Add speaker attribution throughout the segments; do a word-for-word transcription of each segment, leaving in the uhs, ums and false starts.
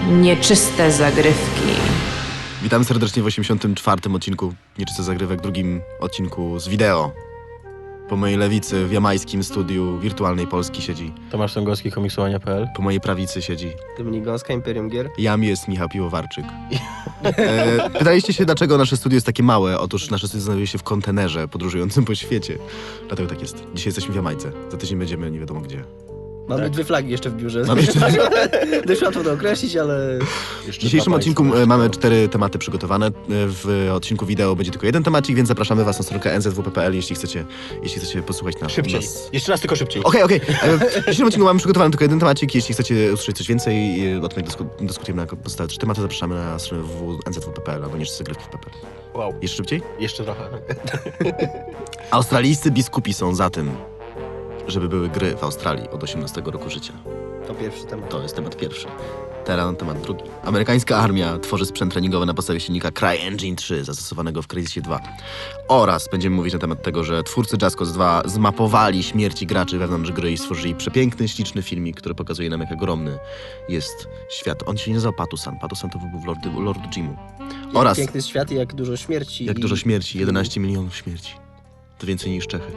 Speaker 1: Nieczyste zagrywki.
Speaker 2: Witam serdecznie w osiemdziesiątym czwartym odcinku Nieczyste Zagrywek, drugim odcinku z wideo. Po mojej lewicy w jamańskim studiu Wirtualnej Polski siedzi.
Speaker 3: Tomasz Sągowski, komiksowania kropka p l.
Speaker 2: Po mojej prawicy siedzi.
Speaker 4: Dominik Gąska, Imperium Gier.
Speaker 2: Jam jest Michał Piłowarczyk. E, pytaliście się, dlaczego nasze studio jest takie małe? Otóż nasze studio znajduje się w kontenerze podróżującym po świecie. Dlatego tak jest. Dzisiaj jesteśmy w Jamajce. Za tydzień będziemy nie wiadomo gdzie.
Speaker 4: Mamy
Speaker 3: Tak.
Speaker 4: dwie flagi jeszcze w biurze.
Speaker 2: Mamy jeszcze-
Speaker 4: Dość łatwo to określić, ale...
Speaker 2: W dzisiejszym odcinku e, mamy cztery tematy przygotowane. E, W odcinku wideo będzie tylko jeden temacik, więc zapraszamy was na stronkę n z w p kropka p l, jeśli chcecie, jeśli chcecie posłuchać nas.
Speaker 3: Szybciej.
Speaker 2: nas...
Speaker 3: Jeszcze raz, tylko szybciej.
Speaker 2: Okej, okej. E, W dzisiejszym odcinku mamy przygotowany tylko jeden temacik. Jeśli chcecie usłyszeć coś więcej, e, o tym jak dysku, dyskutujemy na pozostałe trzy tematy, zapraszamy na stronę w w w n z w p kropka p l albo Nieczyste Zagrywki kropka p l.
Speaker 3: Wow.
Speaker 2: Jeszcze szybciej?
Speaker 3: Jeszcze trochę.
Speaker 2: Australijscy biskupi są za tym, żeby były gry w Australii od osiemnastego roku życia.
Speaker 4: To pierwszy temat.
Speaker 2: To jest temat pierwszy. Teraz temat drugi. Amerykańska armia tworzy sprzęt treningowy na podstawie silnika CryEngine trzy zastosowanego w Crysisie dwa. Oraz będziemy mówić na temat tego, że twórcy Just Cause dwa zmapowali śmierci graczy wewnątrz gry i stworzyli przepiękny, śliczny filmik, który pokazuje nam, jak ogromny jest świat. On się nie nazywał Patusan. Patusan to był w Lord, Lord Jimu.
Speaker 4: Jak
Speaker 2: Oraz
Speaker 4: piękny jest świat i jak dużo śmierci.
Speaker 2: jak
Speaker 4: i...
Speaker 2: dużo śmierci. jedenaście milionów śmierci. To więcej niż Czechy.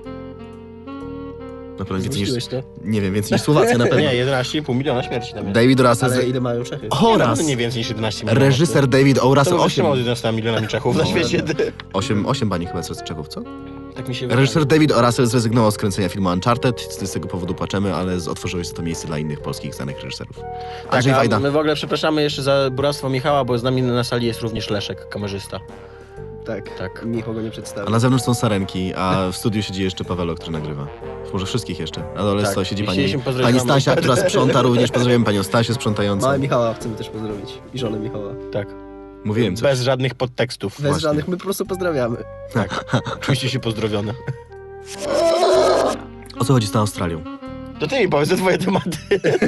Speaker 2: Na pewno więcej niż...
Speaker 4: Zmyśliłeś to?
Speaker 2: Nie wiem, więcej niż Słowacja na pewno.
Speaker 3: Nie, jedenaście i pół miliona śmierci tam jest.
Speaker 2: David Russell...
Speaker 4: Ale ile mają Czechy?
Speaker 2: Oraz
Speaker 3: Nie więcej niż jedenaście milionów.
Speaker 2: reżyser David O.
Speaker 3: To
Speaker 2: Russell
Speaker 3: może
Speaker 2: osiem...
Speaker 3: osiem jedenastoma milionami Czechów na
Speaker 2: No.
Speaker 3: świecie.
Speaker 2: osiem, osiem bani chyba z Czechów, co?
Speaker 3: Tak mi się wydaje.
Speaker 2: Reżyser David O. Russell zrezygnował z kręcenia filmu Uncharted, z tego powodu płaczemy, ale z- otworzyło się to miejsce dla innych polskich znanych reżyserów.
Speaker 3: Tak,
Speaker 2: Andrzej
Speaker 3: a
Speaker 2: Wajda.
Speaker 3: my w ogóle przepraszamy jeszcze za buractwo Michała, bo z nami na sali jest również Leszek, kamerzysta.
Speaker 4: Tak.
Speaker 3: Tak.
Speaker 4: Michał go nie
Speaker 2: A
Speaker 4: przedstawił.
Speaker 2: na zewnątrz są sarenki, a w studiu siedzi jeszcze Pawelo, który nagrywa. Może wszystkich jeszcze. Na dole
Speaker 3: Tak.
Speaker 2: sto siedzi
Speaker 3: I
Speaker 2: pani,
Speaker 3: chcieliśmy pozdrowić
Speaker 2: pani
Speaker 3: mamę.
Speaker 2: Stasia, która sprząta również. Pozdrawiamy panią Stasię sprzątającą.
Speaker 4: Małe Michała chcemy też pozdrowić. I żonę Michała.
Speaker 3: Tak.
Speaker 2: Mówiłem coś.
Speaker 3: Bez żadnych podtekstów.
Speaker 4: Bez
Speaker 2: Właśnie.
Speaker 4: żadnych, my po prostu pozdrawiamy.
Speaker 3: Czujcie się pozdrowione.
Speaker 2: O co chodzi z tą Australią?
Speaker 3: To ty mi powiedz te twoje tematy.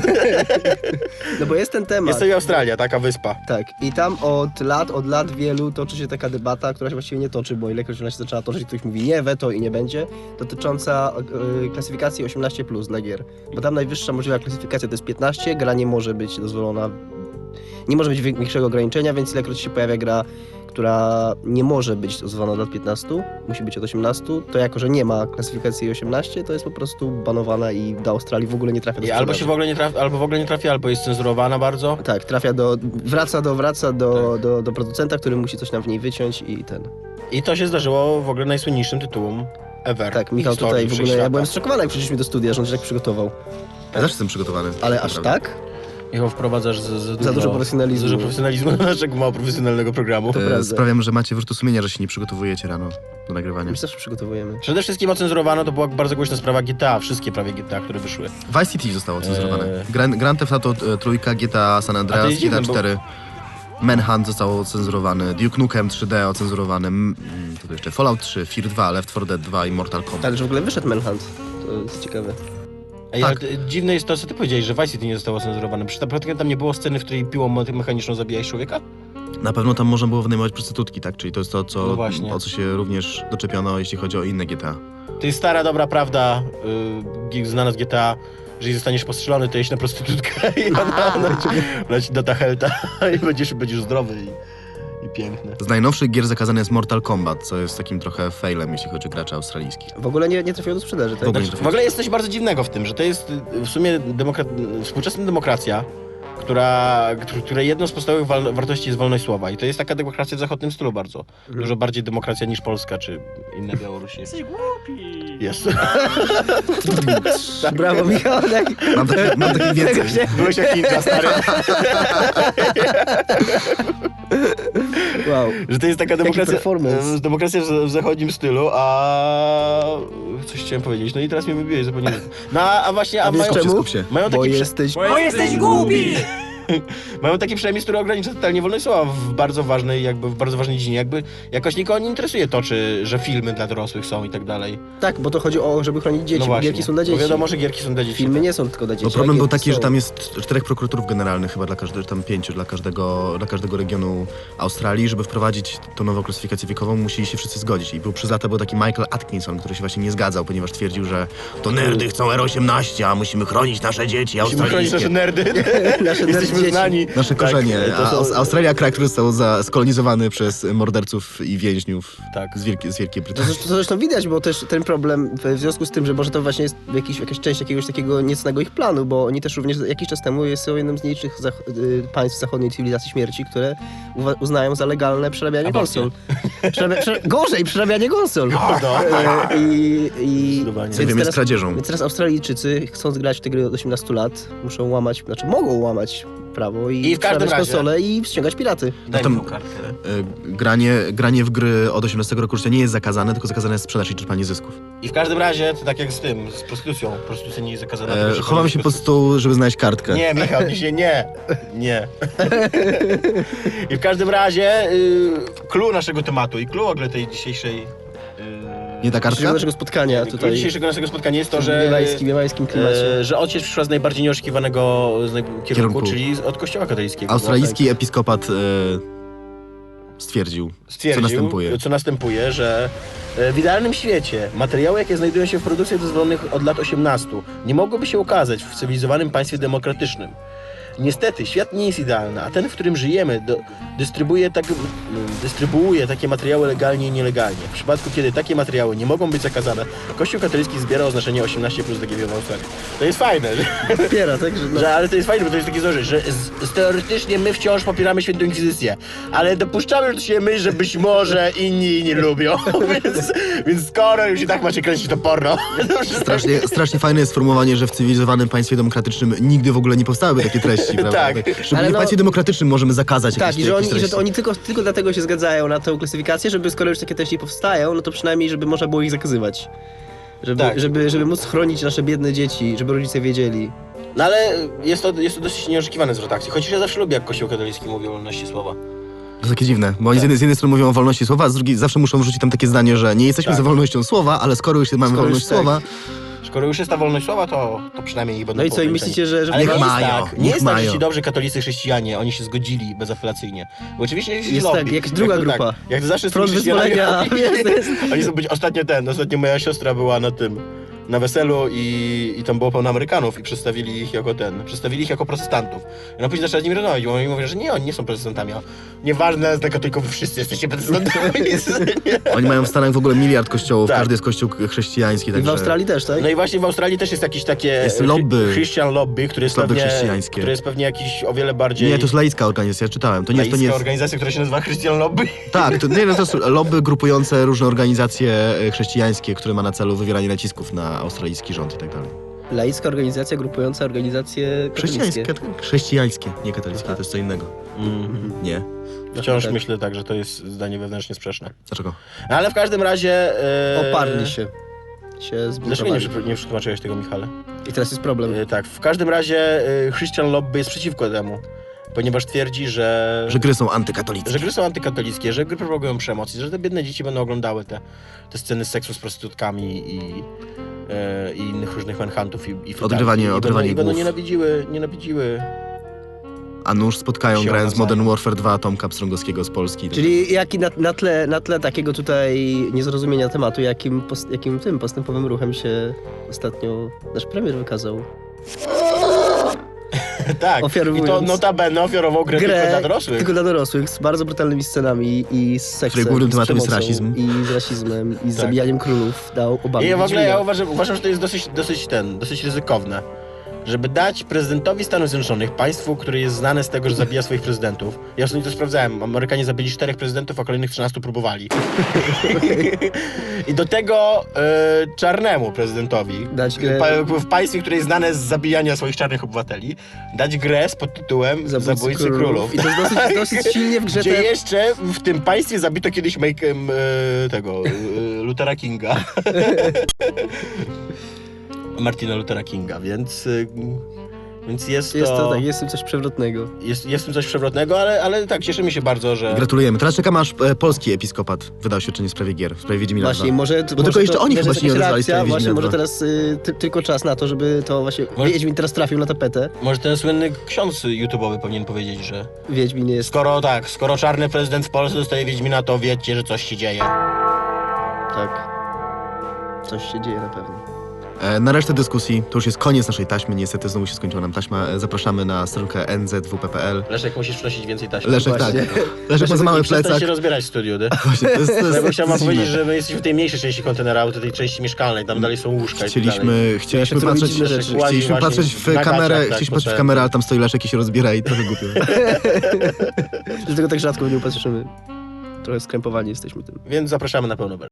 Speaker 4: No bo jest ten temat.
Speaker 3: Jest to i Australia, taka wyspa.
Speaker 4: Tak. I tam od lat, od lat wielu toczy się taka debata, która się właściwie nie toczy, bo ilekroć ona się zaczęła toczyć, ktoś mówi nie, weto i nie będzie, dotycząca y, klasyfikacji osiemnaście plus dla gier. Bo tam najwyższa możliwa klasyfikacja to jest piętnaście, gra nie może być dozwolona, nie może być większego ograniczenia, więc ilekroć się pojawia gra, która nie może być dozwolona od lat piętnastu, musi być od osiemnastu, to jako, że nie ma klasyfikacji osiemnaście, to jest po prostu banowana i do Australii w ogóle nie trafia do
Speaker 3: I albo
Speaker 4: sprzedaży.
Speaker 3: się w ogóle nie trafi, albo w ogóle nie trafi, albo jest cenzurowana bardzo.
Speaker 4: Tak, trafia do, wraca do, wraca do,
Speaker 3: Tak.
Speaker 4: do, do producenta, który musi coś nam w niej wyciąć i ten.
Speaker 3: I to się zdarzyło w ogóle najsłynniejszym tytułom ever.
Speaker 4: Tak, Michał
Speaker 3: w historii
Speaker 4: tutaj w ogóle, ja
Speaker 3: wszechświata.
Speaker 4: byłem zszokowany, jak przyszliśmy do studia, że on się tak przygotował.
Speaker 2: Ja zawsze jestem przygotowany.
Speaker 4: Ale aż
Speaker 2: Naprawdę.
Speaker 4: tak?
Speaker 3: Michał, wprowadzasz z, z
Speaker 4: Za dużo profesjonalizmu.
Speaker 3: Za dużo profesjonalizmu do naszego mało profesjonalnego programu.
Speaker 2: E,
Speaker 4: prawda.
Speaker 2: Sprawiam, że macie wyrzutu sumienia, że się nie przygotowujecie rano do nagrywania.
Speaker 4: My się zawsze przygotowujemy.
Speaker 3: Przede wszystkim ocenzurowano, to była bardzo głośna sprawa G T A, wszystkie prawie G T A, które wyszły.
Speaker 2: Vice City zostało cenzurowane.
Speaker 3: Eee.
Speaker 2: Grand, Grand Theft Auto e, trójka, G T A San
Speaker 3: A to
Speaker 2: Andreas,
Speaker 3: jest
Speaker 2: G T A
Speaker 3: dziwne, bo-
Speaker 2: cztery. Manhunt został ocenzurowany, Duke Nukem trzy D ocenzurowany, mm, to jeszcze Fallout trzy, Fear dwa, Left four Dead dwa i Mortal Kombat.
Speaker 4: Ale że w ogóle wyszedł Manhunt. To jest ciekawe.
Speaker 3: Ej,
Speaker 2: Tak.
Speaker 3: ale to- dziwne jest to, co ty powiedziałeś, że Vice City nie zostało ocenzurowane. Przecież naprawdę tam nie było sceny, w której piłą me- mechaniczną zabijałeś człowieka?
Speaker 2: Na pewno tam można było wynajmować prostytutki, tak? Czyli to jest to, co,
Speaker 3: No właśnie.
Speaker 2: o co się również doczepiono, jeśli chodzi o inne G T A.
Speaker 3: To jest stara, dobra prawda, yy, znana z G T A, jeżeli zostaniesz postrzelony, to jeźdź na prostytutkę i ona, ona, ci, ona ci da ta helta i będziesz, będziesz zdrowy i, i piękny.
Speaker 2: Z najnowszych gier zakazany jest Mortal Kombat, co jest takim trochę failem, jeśli chodzi o graczy australijskich.
Speaker 4: W ogóle nie, nie trafiło do sprzedaży, tak?
Speaker 2: W ogóle nie
Speaker 3: Znaczy, w ogóle jest coś bardzo dziwnego w tym, że to jest y, w sumie demokra- współczesna demokracja, która, któ- której jedną z podstawowych wal- wartości jest wolność słowa. I to jest taka demokracja w zachodnim stylu bardzo.
Speaker 4: Mhm.
Speaker 3: Dużo bardziej demokracja niż Polska, czy inne Białorusi. Jesteś głupi! Jest.
Speaker 4: Brawo, Michał. Tak.
Speaker 2: Mam taki, mam taki więcej.
Speaker 4: Tego się...
Speaker 3: Byłeś jak ninja, stary.
Speaker 4: Wow.
Speaker 3: Że to jest taka demokracja,
Speaker 4: performance.
Speaker 3: e, demokracja w, w zachodnim stylu, a coś chciałem powiedzieć, no i teraz mnie wybiłeś, zapomniałem. No a a właśnie, a,
Speaker 4: A wiesz
Speaker 3: mają,
Speaker 2: Skup się,
Speaker 4: czemu?
Speaker 2: skup się.
Speaker 3: mają
Speaker 4: Bo
Speaker 3: taki, prze,
Speaker 4: jesteś...
Speaker 5: Bo jesteś głupi!
Speaker 3: mają taki przemysł, który ogranicza totalnie wolność słowa w bardzo ważnej, jakby w bardzo ważnej dziedzinie, jakby jakoś nikogo nie interesuje to, czy, że filmy dla dorosłych są i tak dalej.
Speaker 4: Tak, bo to chodzi o, żeby chronić dzieci,
Speaker 3: No
Speaker 4: bo
Speaker 3: właśnie,
Speaker 4: gierki są dla dzieci.
Speaker 3: bo wiadomo, że gierki są dla dzieci.
Speaker 4: Filmy nie są tylko dla dzieci.
Speaker 2: Bo
Speaker 4: a
Speaker 2: problem był
Speaker 4: gierki
Speaker 2: taki,
Speaker 4: są.
Speaker 2: że tam jest czterech prokuratorów generalnych chyba dla każdego, tam pięciu dla każdego, dla każdego regionu Australii. Żeby wprowadzić tą nową klasyfikację wiekową, musieli się wszyscy zgodzić. I był przez lata był taki Michael Atkinson, który się właśnie nie zgadzał, ponieważ twierdził, że to nerdy chcą R osiemnaście, a musimy chronić nasze dzieci
Speaker 3: Musimy chronić
Speaker 2: australijskie.
Speaker 3: nasze nerdy.
Speaker 4: Nasze
Speaker 3: Jesteśmy
Speaker 4: dzieci.
Speaker 3: znani.
Speaker 2: Nasze
Speaker 3: Tak,
Speaker 2: korzenie.
Speaker 3: to
Speaker 2: A
Speaker 3: są-
Speaker 2: Aus- Australia, kraj, który został za- skolonizowany przez morderców i więźniów
Speaker 3: Tak.
Speaker 2: z, Wielkiej, z Wielkiej
Speaker 4: To
Speaker 2: Brytanii.
Speaker 4: zresztą, to zresztą widać, bo też ten problem w w związku z tym, że może to właśnie jest jakiś, jakaś część jakiegoś takiego niecnego ich planu, bo oni też również jakiś czas temu są jednym z nielicznych zach- y, państw zachodniej cywilizacji śmierci, które uwa- uznają za legalne przerabianie
Speaker 3: Aborcję.
Speaker 4: konsol. Przerabia, prze, gorzej, przerabianie konsol.
Speaker 3: No.
Speaker 4: E, I, i
Speaker 3: Zdecydowanie.
Speaker 2: Co wiem, jest kradzieżą.
Speaker 4: Więc teraz Australijczycy, chcąc grać w te gry od osiemnastu lat, muszą łamać, znaczy mogą łamać prawo i,
Speaker 3: I w każdym
Speaker 4: przerabiać
Speaker 3: razie-
Speaker 4: konsole i ściągać piraty.
Speaker 3: Daj
Speaker 2: Tam-
Speaker 3: mi tą kartkę.
Speaker 2: E, Granie, granie w gry od osiemnastego roku życia nie jest zakazane, tylko zakazane jest sprzedaż i czerpanie zysków.
Speaker 3: I w każdym razie, to tak jak z tym, z prostytucją. Prostytucja nie jest zakazana.
Speaker 2: E,
Speaker 3: tylko że
Speaker 2: chowam
Speaker 3: to
Speaker 2: się
Speaker 3: jest
Speaker 2: pod stół, żeby znaleźć kartkę.
Speaker 3: Nie, Michał, nie, się nie. Nie. I w każdym razie, y, clue naszego tematu i clue w ogóle tej dzisiejszej... y,
Speaker 2: Nie ta kartka?
Speaker 4: Dzisiejszego naszego spotkania
Speaker 3: clue
Speaker 4: tutaj
Speaker 3: dzisiejszego naszego spotkania jest to,
Speaker 4: w
Speaker 3: że...
Speaker 4: miewańskim, miewańskim klimacie.
Speaker 3: E, że ojciec przyszła z najbardziej nieoczekiwanego z naj... kierunku,
Speaker 2: Kierunku.
Speaker 3: czyli od kościoła katolickiego.
Speaker 2: Australijski episkopat e, stwierdził,
Speaker 3: Stwierdził,
Speaker 2: co następuje.
Speaker 3: co następuje, że e, w idealnym świecie materiały, jakie znajdują się w produktach dozwolonych od lat osiemnastu, nie mogłyby się ukazać w cywilizowanym państwie demokratycznym. Niestety, świat nie jest idealny, a ten, w którym żyjemy, do, dystrybuuje, tak, mm, dystrybuuje takie materiały legalnie i nielegalnie. W przypadku, kiedy takie materiały nie mogą być zakazane, Kościół katolicki zbiera oznaczenie osiemnaście plus D G B w Australii. To jest fajne, że,
Speaker 4: Popiera, tak? Że no,
Speaker 3: że, ale to jest fajne, bo to jest takie zdroże, że z, z, teoretycznie my wciąż popieramy Świętą Inkwizycję, ale dopuszczamy się my, że być może inni nie lubią, więc, więc skoro już i tak macie kręcić to porno.
Speaker 2: Strasznie, strasznie fajne jest sformułowanie, że w cywilizowanym państwie demokratycznym nigdy w ogóle nie powstałyby takie treści, prawda?
Speaker 3: Tak.
Speaker 2: Szczególnie
Speaker 4: Ale
Speaker 2: w
Speaker 4: no-
Speaker 2: państwie demokratycznym możemy zakazać
Speaker 4: tak,
Speaker 2: jakieś,
Speaker 4: i że
Speaker 2: jakieś
Speaker 4: oni, i
Speaker 2: treści.
Speaker 4: że to oni tylko, tylko dlatego się zgadzają na tę klasyfikację, żeby skoro już takie treści powstają, no to przynajmniej, żeby można było ich zakazywać. Żeby,
Speaker 3: Tak.
Speaker 4: żeby, żeby móc chronić nasze biedne dzieci, żeby rodzice wiedzieli.
Speaker 3: No ale jest to, jest to dosyć nieoczekiwane zwrot akcji, chociaż ja zawsze lubię, jak Kościół katolicki mówi o wolności słowa.
Speaker 2: To jest takie dziwne, bo oni z, jednej, z jednej strony mówią o wolności słowa, a z drugiej zawsze muszą wrzucić tam takie zdanie, że nie jesteśmy
Speaker 3: Tak.
Speaker 2: za wolnością słowa, ale skoro już mamy
Speaker 4: Skoro
Speaker 2: wolność
Speaker 4: już tak.
Speaker 2: słowa,
Speaker 3: Skoro już jest ta wolność słowa, to, to przynajmniej ich będą
Speaker 4: No i co, i
Speaker 3: pokręceni.
Speaker 4: myślicie, że... że
Speaker 3: Ale nie
Speaker 2: Niech
Speaker 3: jest
Speaker 2: mają,
Speaker 3: tak, nie
Speaker 2: niech
Speaker 3: jest tak, że
Speaker 2: mają.
Speaker 3: ci dobrzy katolicy chrześcijanie, oni się zgodzili bezapelacyjnie. Bo oczywiście jest,
Speaker 4: Jest
Speaker 3: lobby.
Speaker 4: tak, jakaś druga
Speaker 3: jak to
Speaker 4: grupa.
Speaker 3: Tak, jak to zawsze z
Speaker 4: Front
Speaker 3: tymi chrześcijanami,
Speaker 4: wyzwolenia. Jest, jest.
Speaker 3: Oni są być ostatnio ten, ostatnio moja siostra była na tym, na weselu i, i tam było pełno Amerykanów i przedstawili ich jako ten, przedstawili ich jako protestantów. I ona później zaczęła z nimi rozmawiać, bo oni mówią, że nie, oni nie są protestantami. A nieważne, dla katolików wszyscy jesteście protestantami.
Speaker 2: oni mają w Stanach w ogóle miliard kościołów,
Speaker 3: Tak.
Speaker 2: każdy jest kościół chrześcijański,
Speaker 4: I w
Speaker 2: także...
Speaker 4: Australii też, tak?
Speaker 3: No i właśnie w Australii też jest jakieś takie
Speaker 2: Jest
Speaker 3: chry-
Speaker 2: lobby.
Speaker 3: Christian lobby, który jest
Speaker 2: Lobby
Speaker 3: pewnie,
Speaker 2: chrześcijańskie.
Speaker 3: który jest pewnie jakiś o wiele bardziej...
Speaker 2: Nie, to jest laicka organizacja, ja czytałem. To nie jest, to nie
Speaker 3: laicka
Speaker 2: jest...
Speaker 3: organizacja, która się nazywa Christian Lobby.
Speaker 2: Tak, to, nie, no to jest lobby grupujące różne organizacje e, chrześcijańskie, które ma na celu wywieranie nacisków na australijski rząd i tak dalej.
Speaker 4: Laicka organizacja grupująca organizacje
Speaker 2: Chrześcijańskie,
Speaker 4: katolickie.
Speaker 2: chrześcijańskie, nie katolickie,
Speaker 4: Aha.
Speaker 2: to jest co innego. Nie.
Speaker 3: Wciąż
Speaker 4: tak.
Speaker 3: myślę tak, że to jest zdanie wewnętrznie sprzeczne.
Speaker 2: Dlaczego?
Speaker 3: No, ale w każdym razie... E...
Speaker 4: Oparli się. się
Speaker 3: Dlaczego nie,
Speaker 4: zbuntowali.
Speaker 3: przy- nie przetłumaczyłeś tego, Michale?
Speaker 4: I teraz jest problem.
Speaker 3: E, tak, w każdym razie e, Christian Lobby jest przeciwko temu, ponieważ twierdzi, że...
Speaker 2: Że gry są antykatolickie.
Speaker 3: Że gry są antykatolickie, że gry propagują przemoc i że te biedne dzieci będą oglądały te, te sceny z seksu z prostytutkami i, e, i innych różnych manhuntów i, i feudalki.
Speaker 2: Odgrywanie-
Speaker 3: I będą,
Speaker 2: odgrywanie
Speaker 3: i będą
Speaker 2: głów.
Speaker 3: nienawidziły, nienawidziły...
Speaker 2: A nóż spotkają
Speaker 3: Się
Speaker 2: grając
Speaker 3: nawzajem.
Speaker 2: Modern Warfare dwa Tomka Pstrągowskiego z Polski.
Speaker 4: Czyli jaki na, na, tle, na tle takiego tutaj niezrozumienia tematu, jakim, post, jakim tym postępowym ruchem się ostatnio nasz premier wykazał.
Speaker 3: tak, i
Speaker 4: Ofiarowując
Speaker 3: to notabene ofiarował grę,
Speaker 4: grę
Speaker 3: tylko dla dorosłych.
Speaker 4: tylko dla dorosłych, z bardzo brutalnymi scenami i z seksem,
Speaker 2: Której głównym
Speaker 4: i z
Speaker 2: tematem jest
Speaker 4: przemocą,
Speaker 2: rasizm.
Speaker 4: I z rasizmem, i z
Speaker 3: Tak.
Speaker 4: zabijaniem królów. Dał Obamie
Speaker 3: I w ogóle ja
Speaker 4: Wiedźmina.
Speaker 3: uważam, uważam, że to jest dosyć, dosyć ten, dosyć ryzykowne. Żeby dać prezydentowi Stanów Zjednoczonych, państwu, które jest znane z tego, że zabija swoich prezydentów. Ja ostatnio to sprawdzałem. Amerykanie zabili czterech prezydentów, a kolejnych trzynastu próbowali. I do tego e, czarnemu prezydentowi,
Speaker 4: Dać grę-
Speaker 3: pa, w państwie, które jest znane z zabijania swoich czarnych obywateli, dać grę z pod tytułem
Speaker 4: Zabójcy
Speaker 3: Zabójcy
Speaker 4: królów.
Speaker 3: Królów.
Speaker 4: I to jest dosyć, dosyć silnie w grze
Speaker 3: Gdzie
Speaker 4: te...
Speaker 3: jeszcze w tym państwie zabito kiedyś make, em, e, tego e, Luthera Kinga. Martina Luthera Kinga, więc, y, więc jest,
Speaker 4: Jest
Speaker 3: to,
Speaker 4: to tak, jest w tym coś przewrotnego.
Speaker 3: jest, jest w tym coś przewrotnego, ale, ale tak, cieszymy się bardzo, że...
Speaker 2: Gratulujemy. Teraz czekam aż e, polski episkopat wydał świadczenie w sprawie gier, w sprawie Wiedźmina
Speaker 4: Właśnie,
Speaker 2: dwa.
Speaker 4: może...
Speaker 2: Bo
Speaker 4: może
Speaker 2: tylko jeszcze
Speaker 4: to,
Speaker 2: oni
Speaker 4: może
Speaker 2: chyba
Speaker 4: jest
Speaker 2: się nie
Speaker 4: jakaś
Speaker 2: odezwali z
Speaker 4: reakcja,
Speaker 2: tej
Speaker 4: Właśnie,
Speaker 2: Wiedźmina
Speaker 4: może
Speaker 2: dwa.
Speaker 4: teraz y, ty, tylko czas na to, żeby to właśnie...
Speaker 3: Może-
Speaker 4: Wiedźmin teraz trafił na tapetę.
Speaker 3: Może ten słynny ksiądz YouTube'owy powinien powiedzieć, że
Speaker 4: Wiedźmin jest...
Speaker 3: skoro tak, skoro czarny prezydent w Polsce dostaje Wiedźmina, to wiecie, że coś się dzieje.
Speaker 4: Tak. Coś się dzieje na pewno.
Speaker 2: E, na resztę dyskusji, to już jest koniec naszej taśmy, niestety znowu się skończyła nam taśma. E, zapraszamy na stronkę n z w p p l.
Speaker 3: Leszek, musisz przynosić więcej taśmy.
Speaker 2: Leszek,
Speaker 4: Właśnie.
Speaker 2: tak. Leszek ma za mały
Speaker 3: Przestań
Speaker 2: plecak.
Speaker 3: się rozbierać w studiu, nie?
Speaker 2: Właśnie, to jest, to
Speaker 3: Ja
Speaker 2: jest,
Speaker 3: bym chciał
Speaker 2: to
Speaker 3: wam
Speaker 2: jest
Speaker 3: powiedzieć,
Speaker 2: dziwne.
Speaker 3: że my jesteśmy w tej mniejszej części kontenera, auto, tej części mieszkalnej, tam dalej są łóżka i tak dalej.
Speaker 2: Chcieliśmy, chcieliśmy
Speaker 4: zrobić
Speaker 2: patrzeć,
Speaker 4: inne rzeczy.
Speaker 2: chcieliśmy
Speaker 3: Właśnie
Speaker 2: patrzeć
Speaker 3: w
Speaker 2: w
Speaker 3: nagaciach,
Speaker 2: kamerę,
Speaker 3: tak,
Speaker 2: chcieliśmy
Speaker 3: po
Speaker 2: patrzeć w
Speaker 3: całym-
Speaker 2: kamerę, ale tam stoi Leszek i się rozbiera i trochę głupio.
Speaker 4: Dlatego tak rzadko w nią patrzymy. Trochę skrępowani jesteśmy tym.
Speaker 3: Więc zapraszamy na pełno.